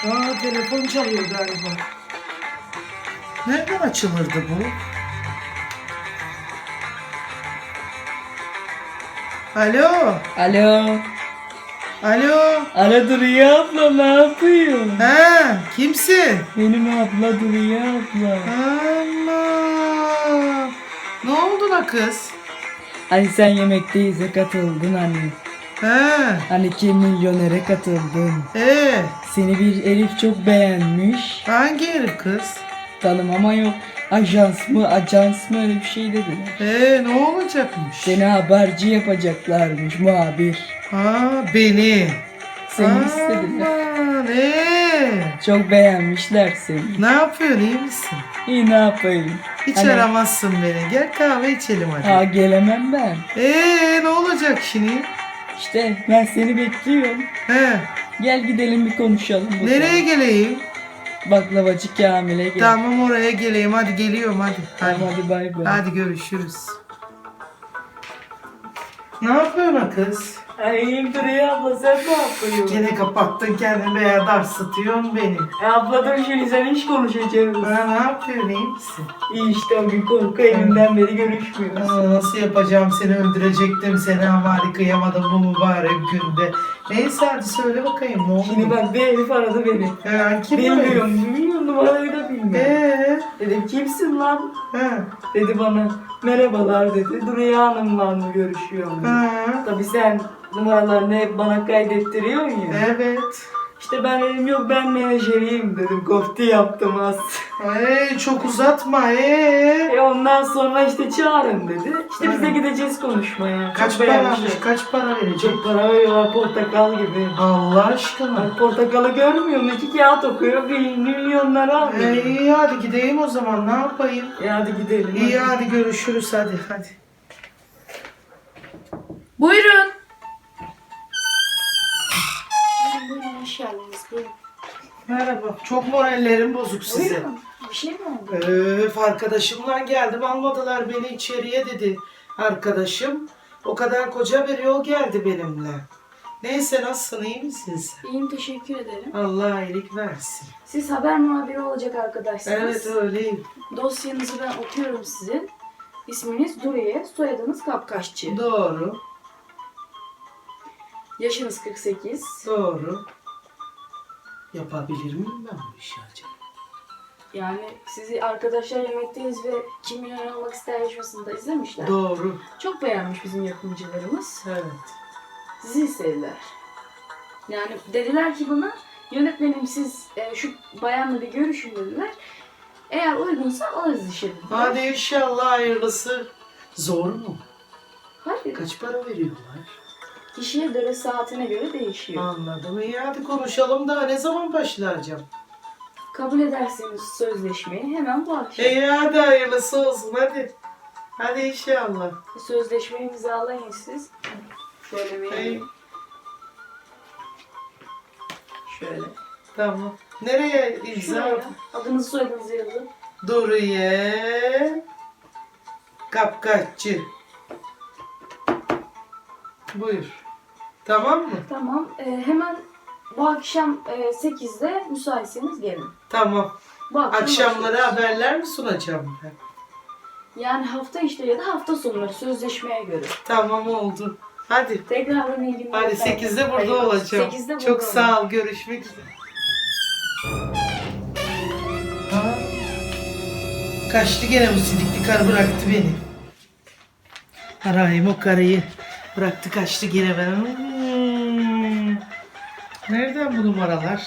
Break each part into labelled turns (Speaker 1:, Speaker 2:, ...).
Speaker 1: Aa, telefon çalıyor galiba. Nereden açılırdı bu? Alo.
Speaker 2: Alo.
Speaker 1: Alo.
Speaker 2: Alo Duriye abla, ne yapıyorsun?
Speaker 1: Ha, kimsin?
Speaker 2: Benim abla Duriye abla.
Speaker 1: Allah. Ne oldu la kız?
Speaker 2: Hani sen yemekteyiz katıldın hani.
Speaker 1: Ha.
Speaker 2: Hani kim milyonere katıldın.
Speaker 1: Ee,
Speaker 2: Seni bir Elif çok beğenmiş.
Speaker 1: hangi herif kız?
Speaker 2: Tanımama yok. Ajans mı öyle bir şey dediler.
Speaker 1: Ne olacakmış?
Speaker 2: Seni haberci yapacaklarmış, muhabir.
Speaker 1: Ha, beni.
Speaker 2: Seni istediler.
Speaker 1: Aman,
Speaker 2: Çok beğenmişler seni.
Speaker 1: ne yapıyorsun, iyi misin?
Speaker 2: İyi, ne yapayım?
Speaker 1: Hiç
Speaker 2: Hani-
Speaker 1: aramazsın beni. Gel kahve içelim hadi.
Speaker 2: Ha, gelemem ben.
Speaker 1: Ne olacak şimdi?
Speaker 2: İşte ben seni bekliyorum.
Speaker 1: He,
Speaker 2: Gel gidelim bir konuşalım. bakalım.
Speaker 1: nereye geleyim?
Speaker 2: Baklavacı Kamil'e gel.
Speaker 1: Tamam, oraya geleyim. Hadi geliyorum hadi.
Speaker 2: Tamam, hadi bay bay.
Speaker 1: Hadi görüşürüz. Ne yapıyorsun kız?
Speaker 2: İyiyim Duriye abla, sen ne yapıyorsun?
Speaker 1: Gene kapattın kendini veya darsıtıyorsun beni.
Speaker 2: Abla dur, şimdi sen hiç konuşacağız.
Speaker 1: Ha, ne yapıyorsun, iyi misin?
Speaker 2: İyi işte, o gün korku evinden beri görüşmüyoruz.
Speaker 1: Nasıl yapacağım, seni öldürecektim seni ama hadi kıyamadım bu mübarek günde. Neyse hadi söyle bakayım ne oldu?
Speaker 2: Şimdi bak, bir herif aradı beni.
Speaker 1: Kim
Speaker 2: Bilmiyorum, numarayı da bilmiyorum. Dedim kimsin lan?
Speaker 1: Ha.
Speaker 2: Dedi bana, merhabalar dedi. Duriye Hanım'la mı görüşüyorum dedi.
Speaker 1: Ha.
Speaker 2: Tabii sen numaralarını hep bana kaydettiriyorsun ya.
Speaker 1: Evet.
Speaker 2: İşte ben dedim, yok ben menajeriyim dedim. Kofti yaptım az.
Speaker 1: Çok uzatma.
Speaker 2: Ondan sonra işte çağırın dedi. İşte biz de gideceğiz konuşmaya.
Speaker 1: Kaç
Speaker 2: Çok beğenmişler.
Speaker 1: paramış, kaç para verecek?
Speaker 2: Çok para veriyorlar, portakal gibi.
Speaker 1: Allah aşkına.
Speaker 2: Bak, portakalı görmüyor musun? 2 kağıt okuyor, milyonları alıyor.
Speaker 1: İyi hadi gideyim o zaman, ne yapayım?
Speaker 2: Hadi gidelim.
Speaker 1: İyi hadi görüşürüz hadi.
Speaker 3: Buyurun. Buyurun, hoş geldiniz. Buyurun.
Speaker 1: Merhaba. Çok morallerim bozuk size.
Speaker 3: Buyurun. Bir şey mi oldu?
Speaker 1: Arkadaşımla geldim, almadılar beni içeriye dedi arkadaşım. O kadar koca bir yol geldi benimle. Neyse, nasılsın, iyi misin sen?
Speaker 3: İyiyim, teşekkür ederim.
Speaker 1: Allah iyilik versin.
Speaker 3: Siz haber muhabiri olacak arkadaşsınız.
Speaker 1: Evet öyleyim.
Speaker 3: Dosyanızı ben okuyorum sizin. İsminiz Duriye, soyadınız Kapkaççı.
Speaker 1: Doğru.
Speaker 3: Yaşınız 48.
Speaker 1: Doğru. Yapabilir miyim ben bu işi acaba?
Speaker 3: Yani sizi arkadaşlar yemekteyiz ve Kim Milyoner Olmak İster yarışmasında izlemişler.
Speaker 1: Doğru.
Speaker 3: Çok beğenmiş bizim yapımcılarımız.
Speaker 1: Evet.
Speaker 3: Sizi istediler. Yani dediler ki bana, yönetmenim siz şu bayanla bir görüşün dediler. Eğer uygunsa alırız işe dediler.
Speaker 1: Hadi inşallah hayırlısı. Zor mu?
Speaker 3: Hayır.
Speaker 1: Kaç para veriyorlar?
Speaker 3: Kişiye göre, saatine göre değişiyor.
Speaker 1: Anladım. İyi hadi konuşalım da ne zaman başlayacağım?
Speaker 3: Kabul ederseniz sözleşmeyi hemen bu akşam.
Speaker 1: İyi hadi hayırlısı olsun hadi. Hadi inşallah.
Speaker 3: Sözleşmeyi imzalayın siz. Şöyle
Speaker 1: İyi.
Speaker 3: vereyim. Şöyle.
Speaker 1: Tamam. Nereye imza?
Speaker 3: Şuraya adınızı soyadınızı yazın.
Speaker 1: Duriye Kapkaççı. Buyur. Tamam mı?
Speaker 3: Tamam. Hemen bu akşam 8'de müsaitseniz gelin.
Speaker 1: Tamam.
Speaker 3: Bu akşam
Speaker 1: Akşamları
Speaker 3: başlıyoruz.
Speaker 1: haberler mi sunacağım ben?
Speaker 3: Yani hafta içleri ya da hafta sonları sözleşmeye göre.
Speaker 1: Tamam oldu. Hadi.
Speaker 3: Tekrardan iyi günler.
Speaker 1: Hadi
Speaker 3: efendim.
Speaker 1: 8'de burada
Speaker 3: Hayırlı olsun.
Speaker 1: olacağım.
Speaker 3: 8'de burada
Speaker 1: Çok
Speaker 3: olun.
Speaker 1: sağ ol. Görüşmek üzere. Ha? Kaçtı gene bu sidikli karı, bıraktı beni. Arayayım o karıyı. Bıraktı kaçtı gene ben. Nereden bu numaralar?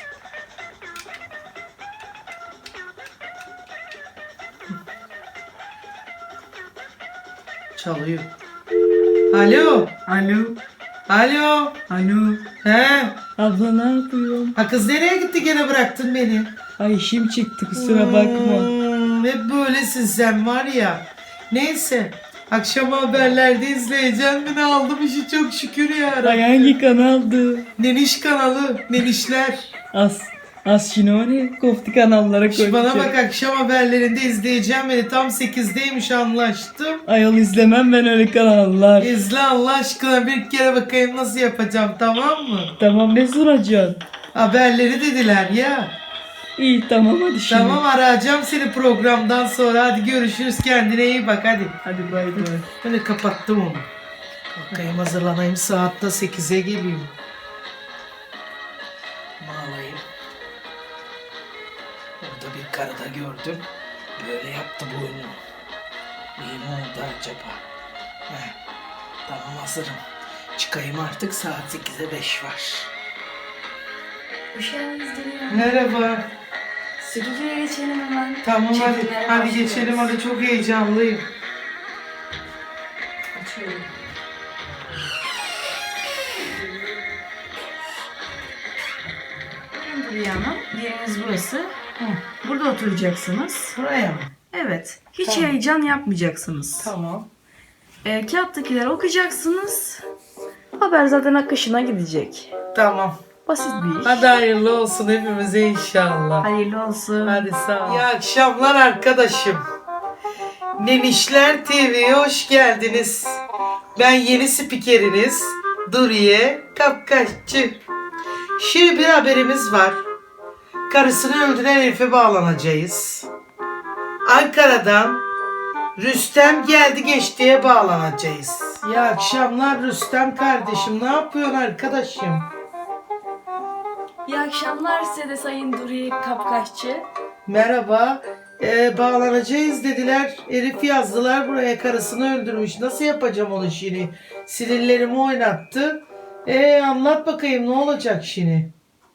Speaker 1: Çalıyor. Alo.
Speaker 2: Alo.
Speaker 1: Alo.
Speaker 2: Alo.
Speaker 1: He.
Speaker 2: Abla ne yapıyorsun?
Speaker 1: Ha kız, nereye gitti gene, bıraktın beni?
Speaker 2: Ay işim çıktı, kusura bakma.
Speaker 1: Hep böylesin sen var ya. Neyse. Akşam haberlerde izleyeceğim. Beni aldım işi çok şükür ya.
Speaker 2: Ay hangi kanaldı?
Speaker 1: Neniş kanalı. Nenişler.
Speaker 2: Az şimdi var ya, kofti kanallara
Speaker 1: Şu bana
Speaker 2: koyacağım.
Speaker 1: bak, akşam haberlerinde izleyeceğim beni. Tam 8'deymiş, anlaştım.
Speaker 2: Ayol, izlemem ben öyle kanallar.
Speaker 1: İzle Allah aşkına, bir kere bakayım nasıl yapacağım, tamam mı?
Speaker 2: Tamam, ne soracaksın?
Speaker 1: Haberleri dediler ya.
Speaker 2: İyi tamam hadi şimdi.
Speaker 1: Tamam, arayacağım seni programdan sonra. Hadi görüşürüz, kendine iyi bak hadi.
Speaker 2: Hadi bay bay.
Speaker 1: Ben de kapattım onu. Kalkayım, hazırlanayım, saatte 8'e geliyor. Bağlayayım. Orada bir karıda gördüm. Böyle yaptı boynunu. İyi mi oldu acaba? Heh, tamam, hazırım. Çıkayım artık, saat 8'e 5 var.
Speaker 3: Hoş geldiniz Duru.
Speaker 1: Merhaba.
Speaker 3: Stüdyoya geçelim hemen.
Speaker 1: Tamam hadi,
Speaker 3: Çekimlere
Speaker 1: hadi
Speaker 3: başlıyoruz.
Speaker 1: geçelim hadi, çok heyecanlıyım.
Speaker 3: Açıyorum. Duru Hanım, yeriniz burası. Burada oturacaksınız.
Speaker 1: Buraya mı?
Speaker 3: Evet. Hiç
Speaker 1: Tamam.
Speaker 3: heyecan yapmayacaksınız.
Speaker 1: Tamam.
Speaker 3: Kağıttakileri okuyacaksınız. Haber zaten akışına gidecek.
Speaker 1: Tamam.
Speaker 3: Basit bir iş.
Speaker 1: Hadi hayırlı olsun hepimize inşallah.
Speaker 3: Hayırlı olsun.
Speaker 1: Hadi sağ ol. İyi akşamlar arkadaşım. Nenişler TV'ye hoş geldiniz. Ben yeni spikeriniz Duriye Kapkaççı. Şimdi bir haberimiz var. Karısını öldüren herife bağlanacağız. Ankara'dan Rüstem geldi geçtiye bağlanacağız. İyi akşamlar Rüstem kardeşim. Ne yapıyorsun arkadaşım?
Speaker 3: İyi akşamlar size de Sayın Duri Kapkaççı.
Speaker 1: Merhaba. Bağlanacağız dediler. Herif yazdılar buraya, karısını öldürmüş. Nasıl yapacağım onu şimdi? Sinirlerimi oynattı. Anlat bakayım, ne olacak şimdi?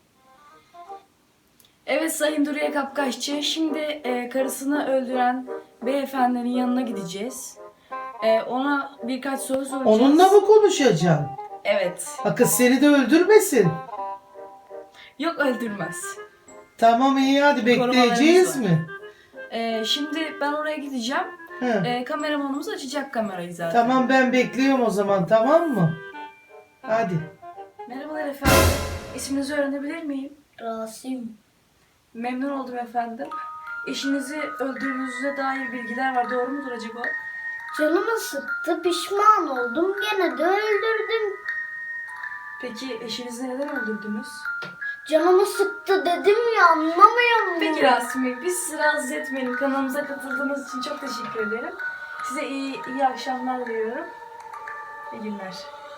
Speaker 3: Evet Sayın Duriye Kapkaççı, şimdi karısını öldüren beyefendinin yanına gideceğiz. Ona birkaç soru soracağız.
Speaker 1: Onunla mı konuşacaksın?
Speaker 3: Evet.
Speaker 1: Ha, kız seni de öldürmesin.
Speaker 3: Yok, öldürmez.
Speaker 1: Tamam, iyi, hadi bekleyeceğiz
Speaker 3: Korumalarımız
Speaker 1: mi?
Speaker 3: Şimdi ben oraya gideceğim.
Speaker 1: He.
Speaker 3: Kameramanımız açacak kamerayı zaten.
Speaker 1: Tamam, ben bekliyorum o zaman, tamam mı? Hadi.
Speaker 3: Merhabalar efendim. İsminizi öğrenebilir miyim?
Speaker 4: Rasim.
Speaker 3: Memnun oldum efendim. Eşinizi öldürdüğünüze dair bilgiler var. Doğru mudur acaba?
Speaker 4: Canımı sıktı, pişman oldum, gene de öldürdüm.
Speaker 3: Peki eşinizi neden öldürdünüz?
Speaker 4: Canımı sıktı dedim ya, anlamıyor musun?
Speaker 3: Peki Rasim Bey, biz sizi rahatsız etmeyelim. Kanalımıza katıldığınız için çok teşekkür ederim. Size iyi akşamlar diliyorum. İyi günler.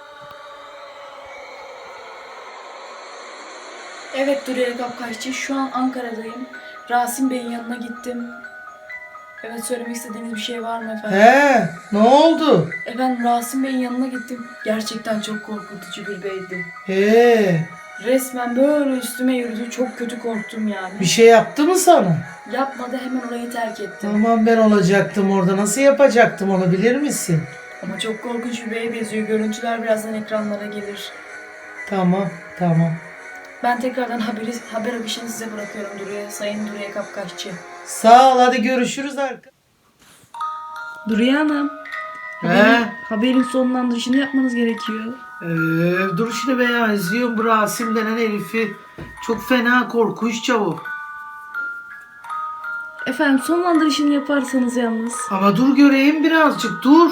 Speaker 3: Evet Duriye Kapkaççı, şu an Ankara'dayım. Rasim Bey'in yanına gittim. Evet, söylemek istediğiniz bir şey var mı efendim?
Speaker 1: He, ne oldu?
Speaker 3: Efendim, Rasim Bey'in yanına gittim. Gerçekten çok korkutucu bir beydi.
Speaker 1: He,
Speaker 3: Resmen böyle üstüme yürüdü. Çok kötü korktum yani.
Speaker 1: bir şey yaptı mı sana?
Speaker 3: Yapmadı, hemen orayı terk ettim.
Speaker 1: Tamam, ben olacaktım orada. Nasıl yapacaktım onu, bilir misin?
Speaker 3: Ama çok korkunç bir beye benziyor. Görüntüler birazdan ekranlara gelir.
Speaker 1: Tamam, tamam.
Speaker 3: Ben tekrardan haber akışını size bırakıyorum Sayın Duriye Kapkaççı.
Speaker 1: Sağ ol, hadi görüşürüz arkadaşlar.
Speaker 3: Duriye Hanım. Haberin sonlandırışını yapmanız gerekiyor.
Speaker 1: Dur şimdi, ben izliyorum bu Rasim denen herifi. Çok fena korkunç çabuk.
Speaker 3: Efendim, sonlandırışını yaparsanız yalnız.
Speaker 1: Ama dur göreyim birazcık, dur.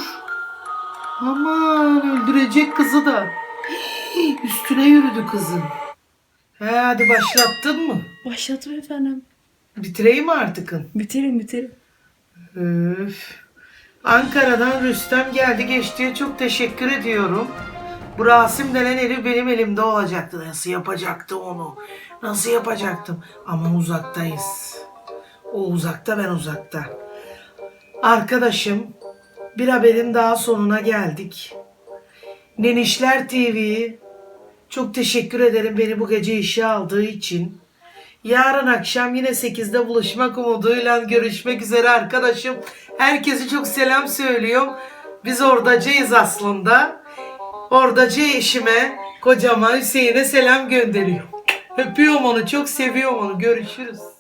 Speaker 1: Aman, öldürecek kızı da. Hii, üstüne yürüdü kızın. Hadi başlattın mı?
Speaker 3: Başlattım efendim.
Speaker 1: Bitireyim mi artık?
Speaker 3: Bitirin.
Speaker 1: Öf. Ankara'dan Rüstem geldi geçtiye çok teşekkür ediyorum. Bu Rasim denen herif benim elimde olacaktı. Nasıl yapacaktım onu? Nasıl yapacaktım? Ama uzaktayız. O uzakta, ben uzakta. Arkadaşım, bir haberin daha sonuna geldik. Nenişler TV'yi çok teşekkür ederim beni bu gece işe aldığı için. Yarın akşam yine 8'de buluşmak umuduyla görüşmek üzere arkadaşım. Herkese çok selam söylüyorum. Biz ordacıyız aslında. Ordacı eşime, kocama, Hüseyin'e selam gönderiyorum. Öpüyorum onu, çok seviyorum onu. Görüşürüz.